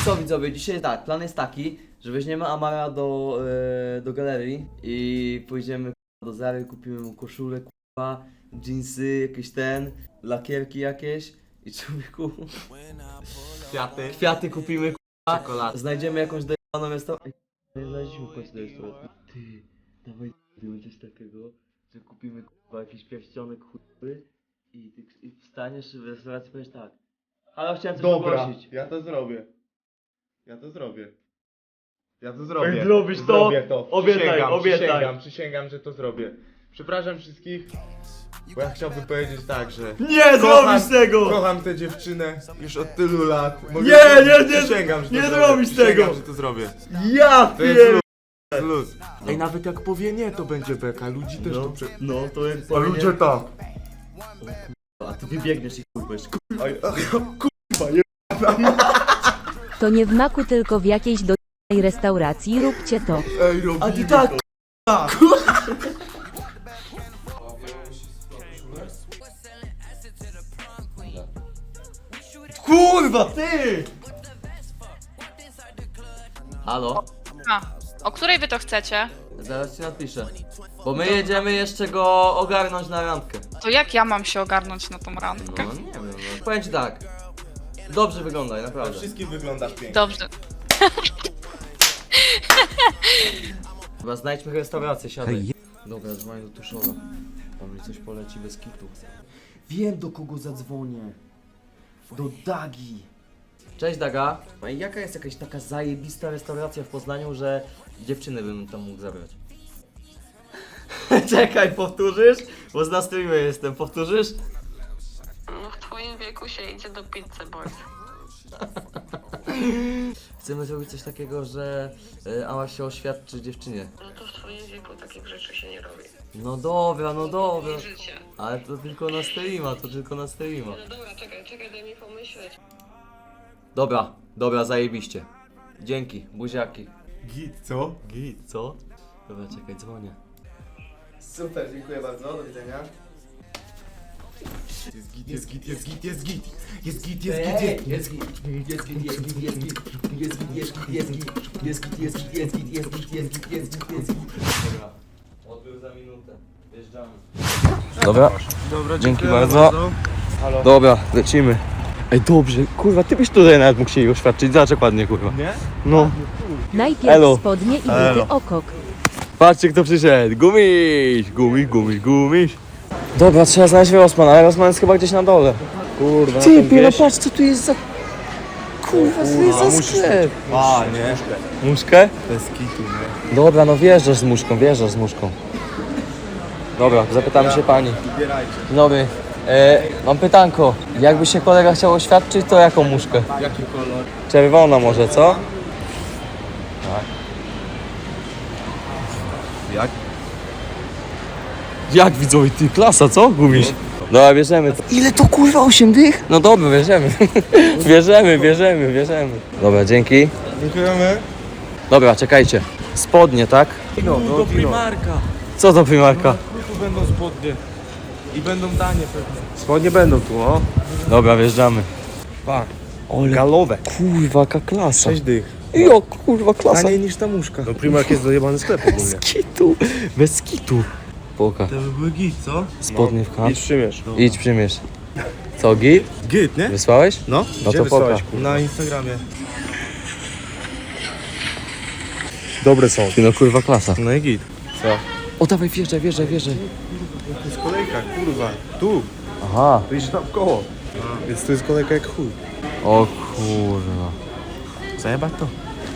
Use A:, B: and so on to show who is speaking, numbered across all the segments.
A: co widzowie, dzisiaj tak, plan jest taki, że weźmiemy Amara do galerii i pójdziemy do Zary, kupimy mu koszulę, dżinsy, jakieś lakierki jakieś i człowieku kwiaty kupimy,
B: Czekolady.
A: znajdziemy jakąś dojebaną restaurację. Nie znaleźliśmy w końcu do restauracji. Ty, dawaj coś takiego, że kupimy jakiś pierścionek i wstaniesz w restauracji i powiesz tak. Ale chciałem coś poprosić.
B: ja to zrobię. Ja to zrobię.
A: Zrobisz to?
B: Zrobię to.
A: Obiecaj, obiecaj.
B: Przysięgam, że to zrobię. Przepraszam wszystkich, bo ja chciałbym powiedzieć tak, że
A: Nie zrobisz tego!
B: kocham tę dziewczynę już od tylu lat. Przysięgam, że to
A: nie
B: zrobię.
A: zrobisz tego!
B: Przysięgam, że to zrobię.
A: Ja
B: To jest
A: pier...
B: luz. Ej, nawet jak powie nie, to będzie beka. Ludzi też to
A: No to jak
B: A ludzie tak.
A: A ty wybiegniesz i kurwiesz.
C: To nie w maku, tylko w jakiejś do***ej restauracji, róbcie to.
B: Ej, robimy
A: A ty tak! Kurwa, ty! Halo?
D: A, o której wy to chcecie?
A: Zaraz ci napiszę. Bo my jedziemy jeszcze go ogarnąć na randkę.
D: To jak ja mam się ogarnąć na tą randkę?
A: No nie wiem, no. Powiem ci tak. Dobrze wyglądaj, naprawdę.
B: Wszystkim wyglądasz pięknie.
D: Dobrze.
A: Chyba znajdźmy restaurację, siadaj. Dobra, dzwonię do Tuszola. Tam mi coś poleci bez kitu. Wiem, do kogo zadzwonię. Do Dagi. Cześć Daga. A jaka jest jakaś taka zajebista restauracja w Poznaniu, że dziewczyny bym tam mógł zabrać? Czekaj, powtórzysz? Bo z na streamie jestem, powtórzysz?
E: No w twoim wieku się idzie do pizzy, boys.
A: Chcemy zrobić coś takiego, że Ama się oświadczy dziewczynie.
E: No to w twoim wieku takich rzeczy się nie robi.
A: No dobra, no dobra.
E: I życie.
A: Ale to tylko na streama, to tylko na streama.
E: No dobra, czekaj, daj mi pomyśleć.
A: Dobra, zajebiście. Dzięki, buziaki.
B: Git, co?
A: Git, co? Dobra, czekaj, dzwonię.
B: Super, dziękuję bardzo, do widzenia. Jest git.
A: Dobra, odbył za minutę. Wjeżdżamy.
F: Dobra,
B: Dobra,
F: dzięki bardzo.
B: Halo.
F: Dobra, lecimy. Ej, dobrze, kurwa, ty byś tutaj nawet mógł się jej oświadczyć, zobacz ładnie, kurwa.
B: Nie?
F: No,
C: Najpierw
F: Elo.
C: spodnie i
F: Elo.
C: buty okok.
F: patrzcie kto przyszedł, gumiś. Dobra, trzeba znaleźć Rosman, ale Rosman jest chyba gdzieś na dole. Kurwa, ty, no patrz, co tu jest za... Kurwa, co to jest za sklep?
B: A, nie.
F: Muszkę?
B: Bez kitu, nie?
F: Dobra, no wjeżdżasz z muszką. Dobra, zapytamy się pani.
B: Wybierajcie.
F: Dzień dobry. Mam pytanko. Jakby się kolega chciał oświadczyć, to jaką muszkę?
B: Jaki kolor?
F: Czerwona może, co?
B: Jak?
F: Jak widzowie, ty klasa, co? Gumiś? Dobra, bierzemy to. Ile to kurwa, 8 dych? No dobra, bierzemy. bierzemy. Dobra, dzięki.
B: Dziękujemy.
F: Dobra, czekajcie. Spodnie, tak?
B: Do Primarka.
F: Co to Primarka?
B: Tu będą spodnie. I będą danie pewnie.
F: Spodnie będą tu, o. Dobra, wjeżdżamy.
B: Pa.
F: Ole,
B: Galowe.
F: kurwa, jaka klasa.
B: 6 dych.
F: Jo, kurwa, klasa.
B: Taniej niż ta muszka. No Primark jest dojebany sklep ogólnie.
F: Bez kitu. Poka.
B: To by były git, co?
F: Spodnie w kant.
B: Idź przymierz.
F: Idź przymierz. Co, git?
B: Git, nie?
F: Wysłałeś?
B: No.
F: No
B: Gdzie
F: to
B: wysłałeś,
F: poka.
B: kurwa? Na Instagramie. Dobre są.
F: Ty no kurwa klasa.
B: No i git. Co?
F: O dawaj, wjeżdżaj.
B: To jest kolejka, kurwa. Tu.
F: Aha.
B: Tu iść tam w koło. Więc tu jest kolejka jak chuj.
F: O kurwa.
B: Zajebać to?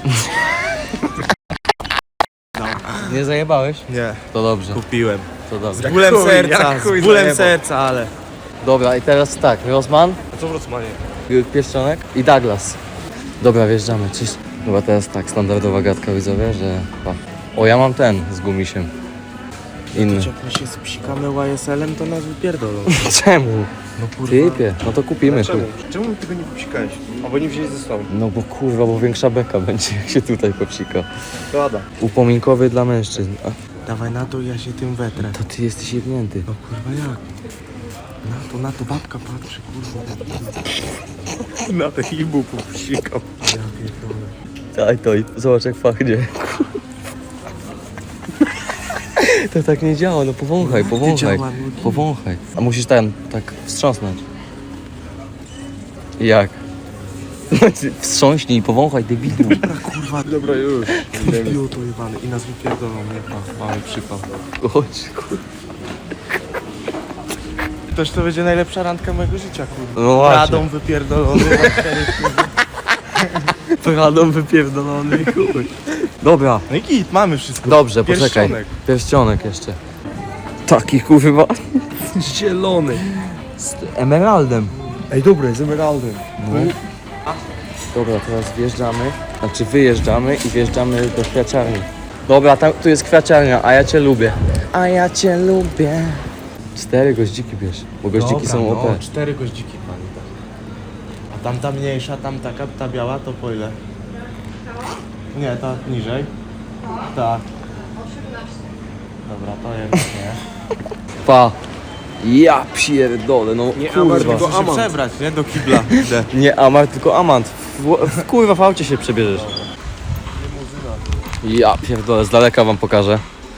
F: Nie zajebałeś?
B: Nie.
F: To dobrze,
B: Kupiłem.
F: to dobrze.
B: Z bólem serca, z bólem serca, ale...
F: Dobra, i teraz tak, Rosman,
B: A co w Rosmanie?
F: Pierścionek i Douglas. Dobra, wjeżdżamy, cześć. Chyba teraz tak, standardowa gadka widzowie, że... O, ja mam ten z gumisiem. Inny.
B: Jak my się spsikamy YSL-em, to nas wypierdolą.
F: Czemu?
B: No kurwa.
F: Typie, no to kupimy.
B: Czemu? Czemu my tego nie popsikałeś? Albo nie wzięli ze sobą.
F: No bo kurwa, bo większa beka będzie jak się tutaj popsika.
B: Zgoda.
F: Upominkowy dla mężczyzn. A,
B: Dawaj na to, ja się tym wetrę.
F: to ty jesteś jebnięty.
B: No kurwa jak? Na to babka patrzy, kurwa. Na te ibuków psikał. Ja pierdolę.
F: Daj to i zobacz jak pachnie. To tak nie działa, no powąchaj, powąchaj. Powąchaj. A musisz tak wstrząsnąć. Jak? Wstrząśnij i powąchaj, debilu.
B: Kurwa, dobra już. Idioto jebany i nas wypierdolą, nie pa. Mamy przypał.
F: Chodź, kurwa.
B: Toż to będzie najlepsza randka mojego życia, kurwa.
F: No właśnie.
B: Radą wypierdolony.
F: Radą wypierdolony, chuj. Dobra.
B: No i git, mamy wszystko.
F: Dobrze, poczekaj.
B: Pierścionek.
F: Pierścionek jeszcze. Taki kurwa. Zielony. Z emeraldem.
B: Ej, dobra, z emeraldem.
F: No. Dobra, teraz wjeżdżamy. Znaczy wyjeżdżamy i wjeżdżamy do kwiaciarni. Dobra, tu jest kwiaciarnia, a ja cię lubię. A ja cię lubię. 4 goździki bierz, bo goździki są OP.
B: No, 4 goździki, pani. Tak. A tamta mniejsza, tam taka, ta biała, to po ile? Nie, ta niżej. Ta. Dobra, to jest nie.
F: Pa. Ja pierdolę, no kurwa.
B: Muszę się przebrać, nie? Do kibla. Idę.
F: Nie Amar, tylko Amant. Kurwa w aucie się przebierzesz. Ja pierdolę, z daleka wam pokażę.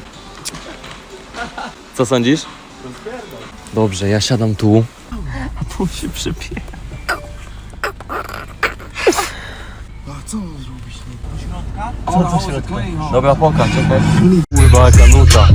F: Co sądzisz? Dobrze, ja siadam tu. A tu się przypie.
B: A co mam zrobić?
F: Co do środka? Dobra, pokaż, czekaj. Kurwa, jaka nuta.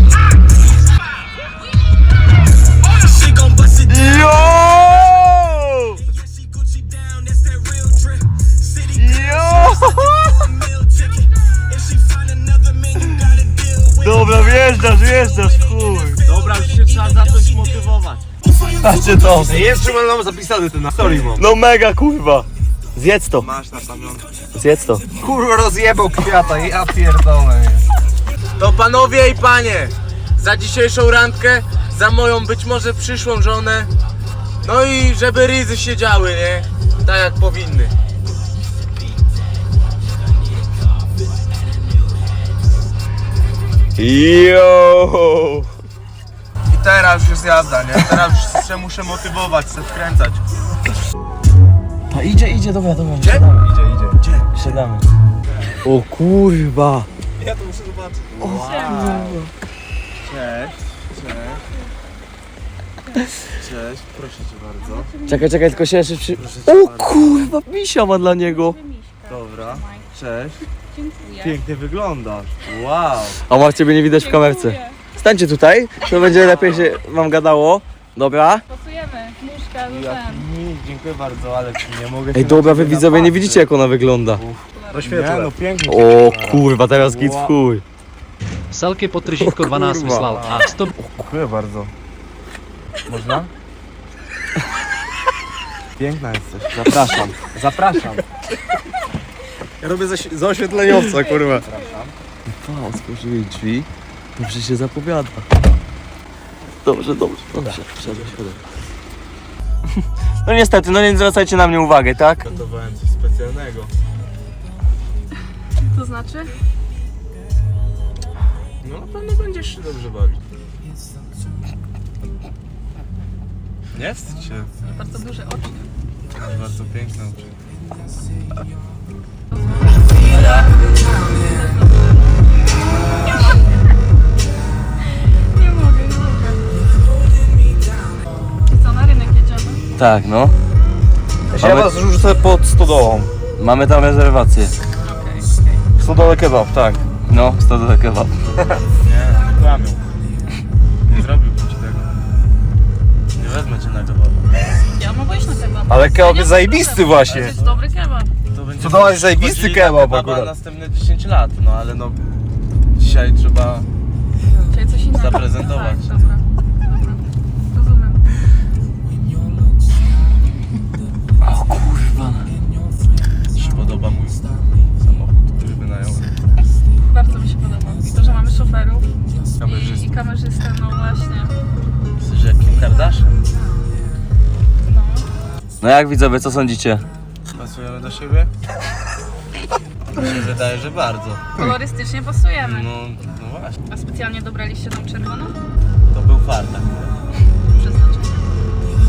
F: Dobra, wjeżdżasz, chuj.
B: Dobra, już się trzeba zacząć motywować.
F: Patrzcie to.
B: Jeszcze mam zapisany ten na story mam.
F: No mega, kurwa. Zjedz to,
B: Masz na pamiątkę.
F: zjedz to.
B: Kurwa, rozjebał kwiata, ja pierdolę. To panowie i panie, za dzisiejszą randkę, za moją być może przyszłą żonę, no i żeby ryzy się działy, nie? Tak jak powinny.
F: Yo!
B: I teraz już jest jazda, nie? Teraz już się muszę motywować, chcę wkręcać.
F: A idzie, dobra.
B: Gdzie? Idzie. Gdzie?
F: Siadamy. O kurwa.
B: Ja to muszę zobaczyć. Cześć, proszę cię bardzo.
F: Czekaj, tylko się jeszcze przy... O kurwa, misia ma dla niego.
B: Dobra, cześć. Pięknie wyglądasz. Wow.
F: A ma ciebie nie widać w kamerce. Stańcie tutaj, to będzie lepiej się wam gadało. Dobra.
D: Pasujemy, nóżka,
B: Dziękuję bardzo, ale nie mogę.
F: Ej, dobra, wy widzowie nie widzicie jak ona wygląda.
B: Nie, no pięknie.
F: O kurwa, teraz git w chuj.
G: Selkie po tržítko 12 vyslal a 100
B: Dziękuję bardzo. Można? Piękna jesteś. Zapraszam.
F: Ja robię za oświetleniowca, kurwa. Pa, otworzyli drzwi. Dobrze się zapowiada. Dobrze. Siadaj. No niestety, no nie zwracajcie na mnie uwagę, tak?
B: Gotowałem coś specjalnego.
D: To znaczy?
B: No na pewno będziesz się dobrze bawić. Nie wstydź się.
D: Bardzo duże oczy.
B: Masz bardzo piękne oczy.
D: Nie mogę. Co, na rynek jedziemy?
F: Tak, no.
B: Ja was rzucę pod stodołą.
F: Mamy tam rezerwację.
B: Stodołę kebab, tak.
F: No, 100 do kebab.
B: Nie, kłamią. Nie zrobiłbym ci tego. Nie wezmę cię na kebab.
D: Ja mogę iść na kebab.
B: Ale kebab jest zajebisty
D: To
B: właśnie.
D: jest dobry kebab.
B: To będzie Stodoła jest zajebisty chodzili kebab na akurat. następne 10 lat, no ale no dzisiaj trzeba
D: Czyli coś innego.
B: zaprezentować.
D: Tak, dobra. Rozumiem.
F: O kurwa.
B: Ci się podoba mój samochód, który wynająłem.
D: Bardzo mi się podoba. I to, że mamy szoferów
B: Kamerzystę.
D: i kamerzystę, no właśnie.
B: Jesteś jak Kim Kardashian.
D: No.
F: No jak widzowie, co sądzicie?
B: Pasujemy do siebie? Mi się wydaje, że bardzo.
D: Kolorystycznie pasujemy.
B: No właśnie.
D: A specjalnie dobraliście tą czerwoną?
B: To był fart akurat.
D: Przeznaczenie.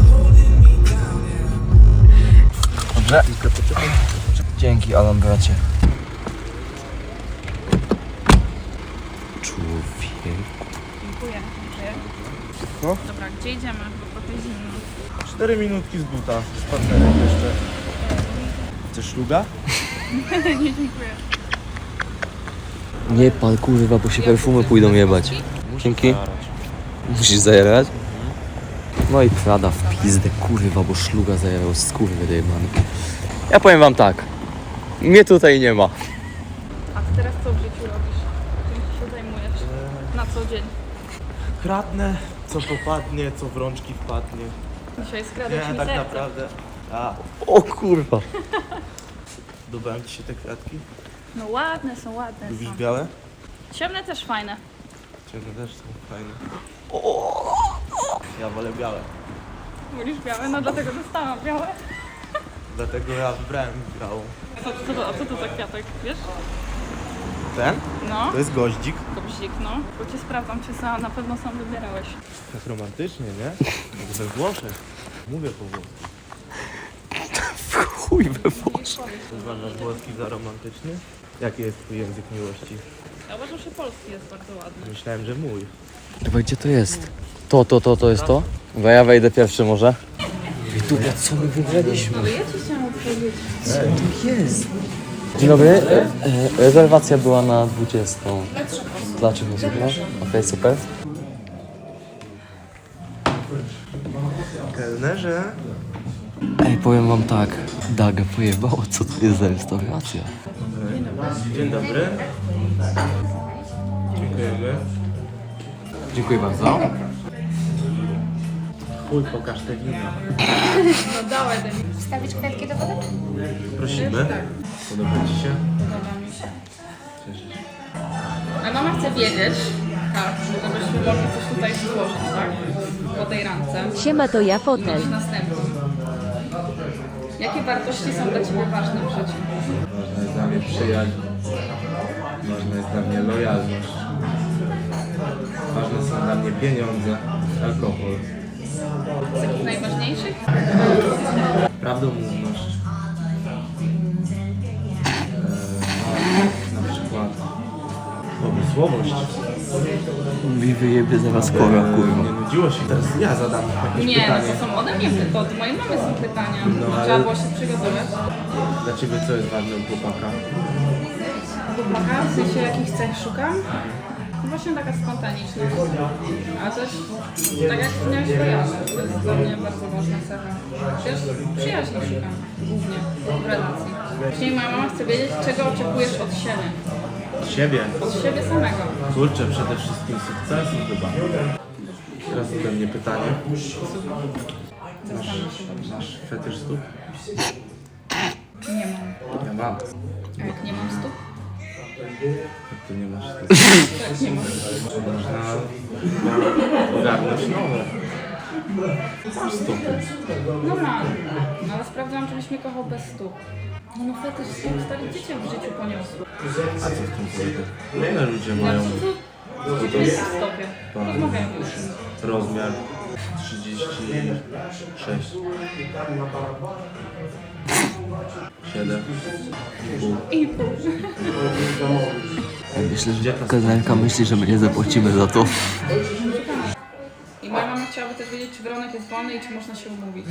F: Dzięki, Alan, bracie. Człowiek.
D: Dziękuję.
B: No.
D: Dobra, gdzie idziemy? Bo trochę zimno.
B: 4 minutki z buta, z partnerem jeszcze. Chcesz szluga?
D: Nie, dziękuję.
F: Nie pal, kurwa, bo się perfumy pójdą jebać. Dzięki. Musisz zajerać? No i Prada w pizdę, kurwa, bo szluga zajerał, skurwy dojebany. Ja powiem wam tak. Mnie tutaj nie ma.
D: A ty teraz co w życiu robisz? Czym ty się zajmujesz? Na co dzień?
B: Kradnę, co popadnie, co w rączki wpadnie.
D: Dzisiaj skradłeś
B: Nie,
D: mi
B: tak
D: serce.
B: naprawdę. A,
F: O kurwa.
B: podobają ci się te kwiatki?
D: No ładne są, ładne
B: Lubisz
D: są.
B: białe?
D: Ciemne też fajne.
B: Ciemne też są fajne. Ja wolę białe.
D: Wolisz białe? No dlatego dostałam białe.
B: Dlatego ja wybrałem białą.
D: A co to za kwiatek, wiesz?
B: Ten?
D: No,
B: To jest goździk.
D: kobzik, no. Bo cię sprawdzam, czy na pewno sam wybierałeś.
B: Tak romantycznie, nie? Jak we Włoszech. Mówię po włosku.
F: Chuj we Włoszech.
B: Uważasz włoski za romantyczny? Jaki jest twój język miłości?
D: Ja uważam, że polski jest bardzo ładny.
B: Myślałem, że mój.
F: Chyba gdzie to jest? To jest to? Bo ja wejdę pierwszy może. Dobra, co my wygraliśmy?
D: Ale ja ci chciałam odpowiedzieć.
F: Dzień dobry. Rezerwacja była na 20. Dla 3 osób, no? Okej, super.
B: Kelnerze?
F: Ej, powiem wam tak. Daga pojebało, co to jest za restauracja?
B: Dzień dobry. Dziękujemy.
F: Dziękuję bardzo.
B: Chuj, pokaż te wina.
D: No dawaj, Demi.
H: Wstawić kwiatki do wody?
B: Prosimy. Podoba ci się?
D: Podoba mi się. A mama chce wiedzieć, tak, żebyśmy mogli coś tutaj złożyć, tak? Po tej randce.
C: Siema, to ja fotel.
D: Mieć następną. Jakie wartości są dla Ciebie ważne w życiu?
B: Ważna jest dla mnie przyjaźń. Ważna jest dla mnie lojalność. Ważne są dla mnie pieniądze, alkohol.
D: Z takich najważniejszych?
B: Prawdomówność. Na przykład pomysłowość.
F: Mi wyjebie zaraz kora, kurwa.
B: Nie nudziło się. Teraz ja zadam jakieś
D: Nie, no
B: pytanie.
D: to są ode mnie, to od mojej mamy są pytania.
B: No, ale-
D: Trzeba było się przygotować.
B: Dla ciebie co jest ważne u chłopaka?
D: Chłopaka, w sensie jakich cech szukam? No właśnie taka spontaniczność. A też, tak jak wspomniałeś, lojalność. To jest dla mnie bardzo ważna cecha. Przecież przyjaźni szukam głównie w relacji. Dzisiaj moja mama chce wiedzieć, czego oczekujesz od siebie.
B: Od siebie.
D: Od siebie samego.
B: Kurczę, przede wszystkim sukcesu chyba. Teraz ode mnie pytanie. Masz fetysz stóp?
D: Nie mam.
B: Ja mam.
D: A jak nie mam stóp?
B: Jak ty nie masz stóp?
D: Tak, nie mam.
B: Można ogarnąć nowe. Masz stopy.
D: No mam. No ale sprawdzałam, żebyś mnie kochał bez stóp. No fetysz stóp stary dziecię w życiu poniosły.
B: A co w tym polega? Ile ludzie mają
D: Co to jest w stopie? Rozmawiajmy o tym.
B: rozmiar 36. 7.
D: I pół.
F: Myślę, że kelnerka myśli, że my nie zapłacimy za to.
D: I moja mama chciałaby też wiedzieć, czy Weronek jest wolny i czy można się umówić.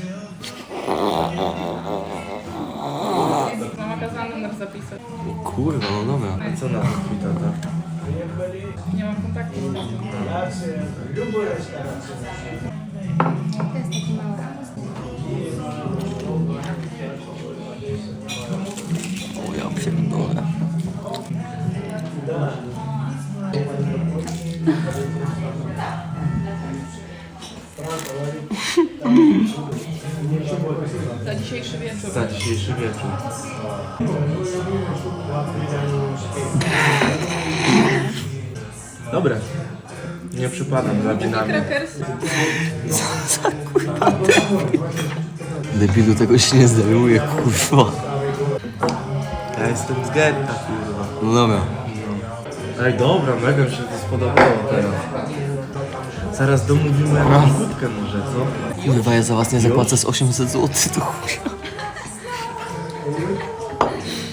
D: Mama kazała numer zapisać.
F: Kurwa, no dobra.
B: A co na to twój tata?
D: Nie mam kontaktu z tatą.
H: To jest taki mały.
F: O ja pierdolę.
D: Za dzisiejszy wieczór.
B: Za dzisiejszy wieczór. Dobre. Nie przypadam za winami.
D: Krakers.
F: Debilu, tego się nie zdaruje, kurwa.
B: Ja jestem z getta, kurwa.
F: No dobra.
B: Ej, dobra, mega mi się to spodobało teraz. Zaraz domówimy jakąś wódkę może, co?
F: Kurwa, ja za was nie zapłacę z 800 zł, to chuj.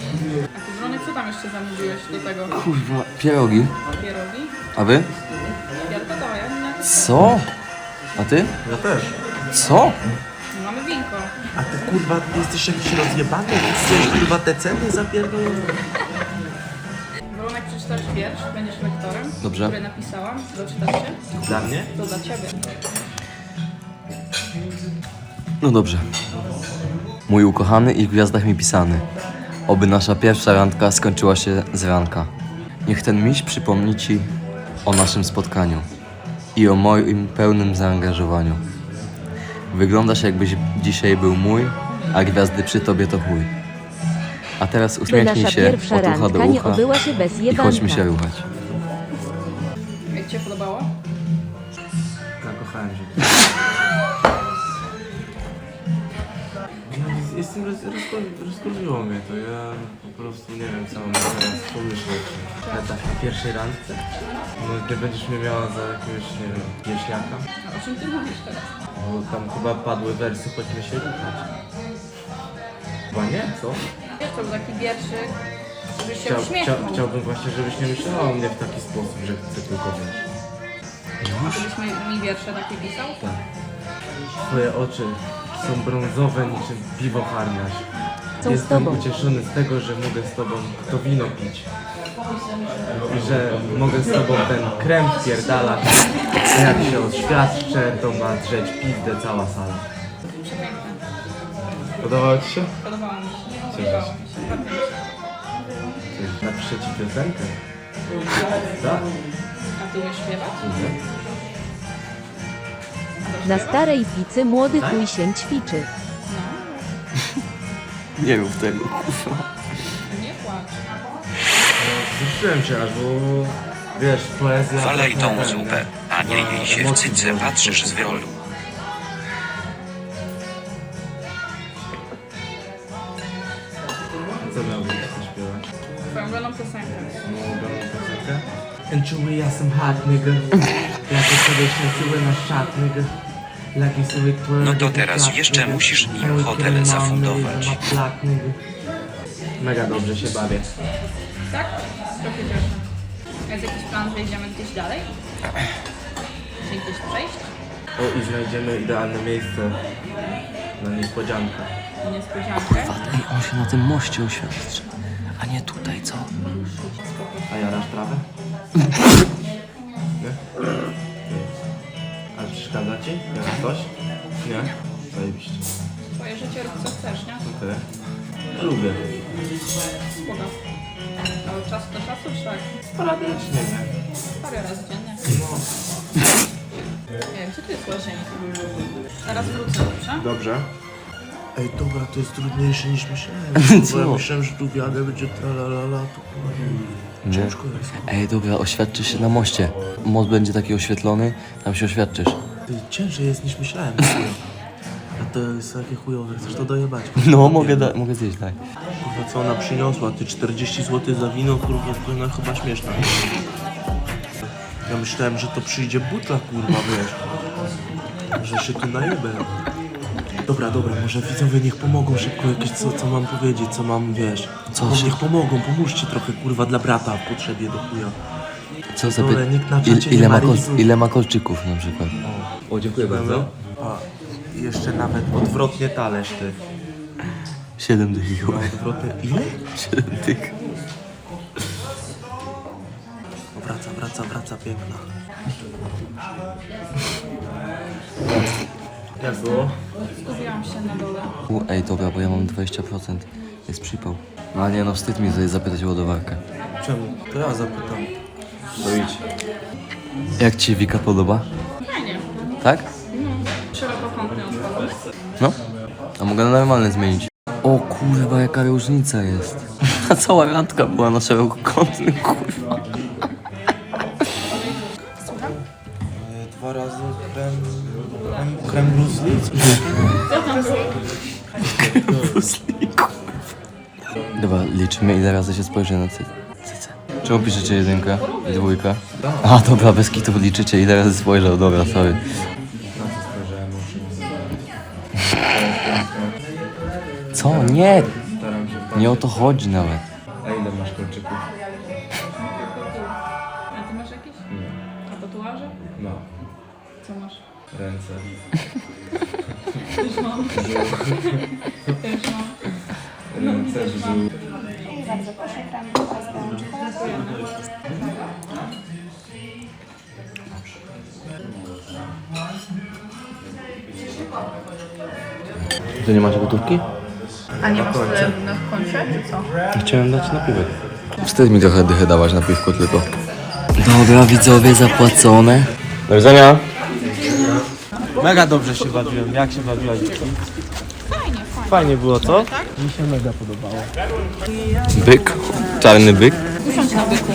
D: Co tam jeszcze zamówiłeś do tego?
F: Kurwa, pierogi.
D: Pierogi?
F: A wy?
D: Ja to ja nie.
F: Co? A ty?
B: Ja też.
F: Co?
D: Mamy winko.
B: A ty kurwa jesteś jakiś rozjebany? Chcesz kurwa te ceny zapierdolone?
D: Romek, przeczytasz wiersz, będziesz lektorem,
F: Dobrze.
D: który napisałam. Doczytasz się?
B: Dla mnie?
D: To dla ciebie.
F: No dobrze. Mój ukochany i w gwiazdach mi pisany. Oby nasza pierwsza randka skończyła się z ranka. Niech ten miś przypomni ci o naszym spotkaniu i o moim pełnym zaangażowaniu. Wyglądasz jakbyś dzisiaj był mój, a gwiazdy przy tobie to chuj. A teraz
C: By
F: uśmiechnij
C: nasza
F: się
C: pierwsza
F: od ucha do
C: randka nie
F: ucha
C: obyła się bez
F: i chodźmy się
C: jebanka.
F: ruchać.
D: Jak ci się podobało?
B: Zakochałem się. Rozkurwiło mnie to, ja po prostu nie wiem co mam teraz pomyśleć. Ale tak na pierwszej randce? No nie będziesz mnie miała za jakiegoś, nie wiem, wieśniaka?
D: A o czym ty mówisz teraz?
B: Bo tam chyba padły wersy, chodźmy się ruchać. Chyba nie, co?
D: Wiesz, to był taki wierszyk, żebyś się uśmiechnął.
B: Chciałbym właśnie, żebyś nie myślała o mnie w taki sposób, że chcę tylko wiesz.
D: Żebyś mi wiersze takie pisał?
B: Tak. Twoje oczy są brązowe niczym piwo harnaś.
C: Są z
B: Jestem
C: tobą.
B: ucieszony z tego, że mogę z tobą to wino pić. I że mogę z tobą ten krem wpierdalać. A jak się oświadczę, to ma drzeć pizdę cała sala.
D: Przepiękne.
B: Podobało ci się?
D: Podobało mi się.
B: Cieszę
D: Podobało
B: się.
D: mi się. Bardzo mi się.
B: Napiszę ci piosenkę. Tak.
D: A ty umiesz śpiewać?
C: Na starej picy młody chuj się ćwiczy.
F: Nie rób tego, kurwa.
D: Nie płacz.
B: Wzruszyłem się aż, bo wiesz, poezja...
I: Walej
B: trochę
I: tą
B: ten,
I: zupę, a nie jej się w
B: emocje
I: cyce
B: budzi.
I: patrzysz z wiolu.
B: Co miałbyś śpiewać?
D: Twoją ulubioną piosenkę.
B: And czuję, ja jestem hot, nigga. Jak sobie śledziły na szat, nigga. Lagi sobie
I: No to teraz jeszcze musisz im hotel zafundować.
B: Mega dobrze się bawię.
D: Tak? Trochę cieszę. A jest jakiś plan, że idziemy gdzieś dalej? Czy gdzieś przejść?
B: O, i znajdziemy idealne miejsce na niespodziankę.
D: Niespodziankę?
F: Ej, on się na tym moście oświadczy. A nie tutaj, co?
B: A jarasz trawę? Nie? Ale przeszkadza ci? Jak coś? Nie? Zajebiście.
D: Twoje życie rób co chcesz, nie?
B: Okej. Lubię.
D: Spoko. Ale od czasu do czasu, czy tak?
B: Sporadycznie, nie?
D: Parę razy dziennie.
B: No.
D: Nie wiem, gdzie tu jest łazienka? Zaraz wrócę, dobrze?
B: Dobrze. Ej, dobra, to jest trudniejsze niż myślałem.
F: Co?
B: Bo ja myślałem, że tu wiadę będzie tralalala, to
F: Nie.
B: ciężko jest.
F: Ej, dobra, oświadczysz się na moście. Most będzie taki oświetlony, tam się oświadczysz.
B: Ty, ciężej jest niż myślałem. A to jest takie chujowe, chcesz to dojebać?
F: No, mogę zjeść, tak.
B: Kurwa, co ona przyniosła? Ty 40 zł za wino, kurwa, to ona chyba śmieszna. Ja myślałem, że to przyjdzie butla, kurwa, wiesz. Że się tu najebę. Dobra, może widzowie niech pomogą szybko jakieś, co mam powiedzieć, co mam, wiesz.
F: Co
B: No,
F: się-
B: niech pomogą, pomóżcie trochę, kurwa, dla brata w potrzebie do chuja.
F: Co za
B: Dole, nikt na czacie nie
F: ile,
B: ma
F: ma
B: rizu.
F: ile ma kolczyków na przykład? O, dziękuję bardzo.
B: A, jeszcze nawet odwrotnie talerz, ty.
F: 7 dych.
B: No, odwrotnie, ile?
F: 7 dych.
B: Wraca, piękna. Jak było?
D: Zgubiłam się na dole.
F: Ej, dobra, bo ja mam 20%. Jest przypał. No nie, no wstyd mi tutaj zapytać o ładowarkę.
B: Czemu? To ja zapytam.
F: To idź. Jak ci Wika podoba?
D: Fajnie.
F: Tak?
D: Szerokokątny odpalony.
F: No. A mogę na normalne zmienić. O kurwa, jaka różnica jest. Ta cała randka była na szerokokątnym, kurwa.
D: Słucham?
B: 2 razy krem Bruce Lee?
D: Co tam było?
F: Dobra, liczymy ile razy się spojrzy na cycę. Czemu piszecie 1 i 2? A dobra, bez kitu liczycie ile razy spojrzał, dobra, sorry.
B: Na co spojrzałem?
F: Co? Nie!
B: Staram się
F: Nie o to chodzi nawet.
B: A ile masz? masz kolczyków?
D: A ty masz jakieś? A tatuaże?
B: No.
D: Co masz?
B: Ręce.
D: Też mam. Też mam.
B: Ręce, brzuch.
H: Bardzo proszę, krem z rączką.
F: Ty nie masz gotówki?
D: A nie masz na koncie, czy co?
F: Chciałem dać napiwek. Wstyd mi trochę dychę dawać na piwko tylko. Dobra, widzowie, zapłacone. Do widzenia.
B: Mega dobrze się bawiłem. Jak się bawiłaś? Fajnie było, co? Mi się mega podobało.
F: Byk, czarny byk.
D: Usiądź na byku.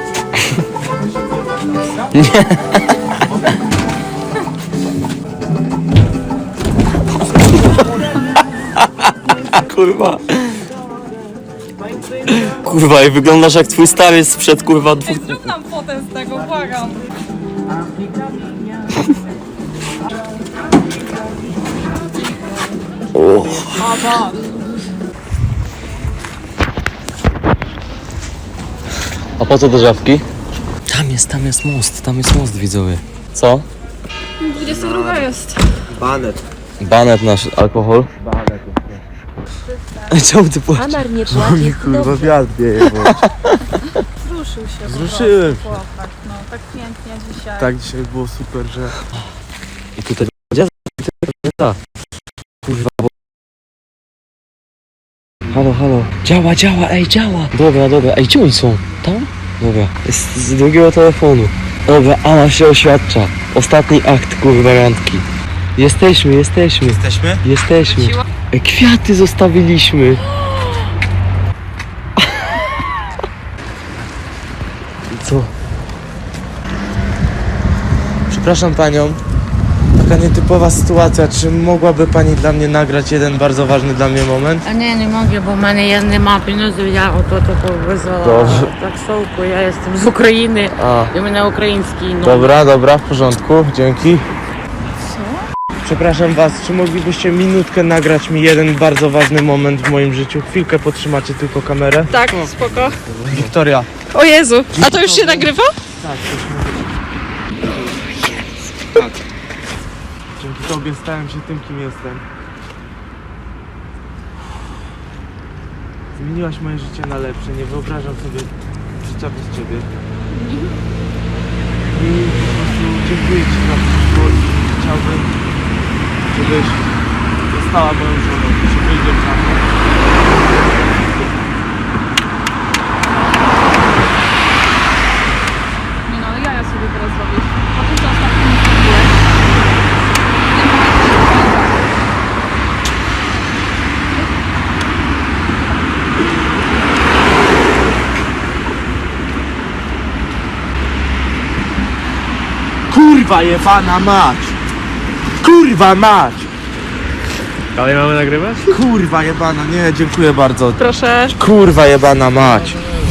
F: Kurwa. Kurwa, i wyglądasz jak twój stary sprzed kurwa 2.
D: Zrób nam fotę z tego, błagam.
F: A po co do żabki? Tam jest most, widzowie. Co?
D: 22 jest.
B: Banet.
F: Banet nasz alkohol. Czemu ty płaczesz?
C: Amar nie płaci, dobrze.
B: wiatr wieje.
D: Zruszył się.
B: Zruszyłem się.
D: Chłopak, no tak pięknie dzisiaj.
B: Tak, dzisiaj było super, że...
F: I tutaj gdzie? Kurwa. Halo. Działa, ej, działa. Dobra. Ej, gdzie oni są? Tam? Dobra. Jest z drugiego telefonu. Dobra, Ala się oświadcza. Ostatni akt, kurwa, randki. Jesteśmy.
B: Jesteśmy?
F: Ej, kwiaty zostawiliśmy. Co?
B: Przepraszam panią. Taka nietypowa sytuacja. Czy mogłaby pani dla mnie nagrać jeden bardzo ważny dla mnie moment?
J: А не mogę, bo мене нема pieniędzy, я ото визвала
F: Dobrze.
J: таксовку, я jestem z Ukrainy
F: A,
J: i u mnie ukraiński no.
B: Dobra, w porządku, dzięki. Co? Przepraszam was, czy moglibyście minutkę nagrać mi jeden bardzo ważny moment w moim życiu? Chwilkę potrzymacie tylko kamerę.
D: Tak, spoko.
B: Wiktoria.
D: O Jezu, a to już się nagrywa?
B: Tak. Dzięki tobie stałem się tym, kim jestem. Zmieniłaś moje życie na lepsze, nie wyobrażam sobie życia bez ciebie. I po prostu dziękuję ci za wszystko i chciałbym, żebyś została moją żoną, czy wyjdziesz za mną.
D: Nie no, ale ja sobie teraz robię. A ty co ostatnio nie zrobiłeś?
B: Kurwa jebana mać! Kurwa mać!
G: Dalej mamy nagrywać?
B: Kurwa jebana, nie, dziękuję bardzo.
D: Proszę.
B: Kurwa jebana mać!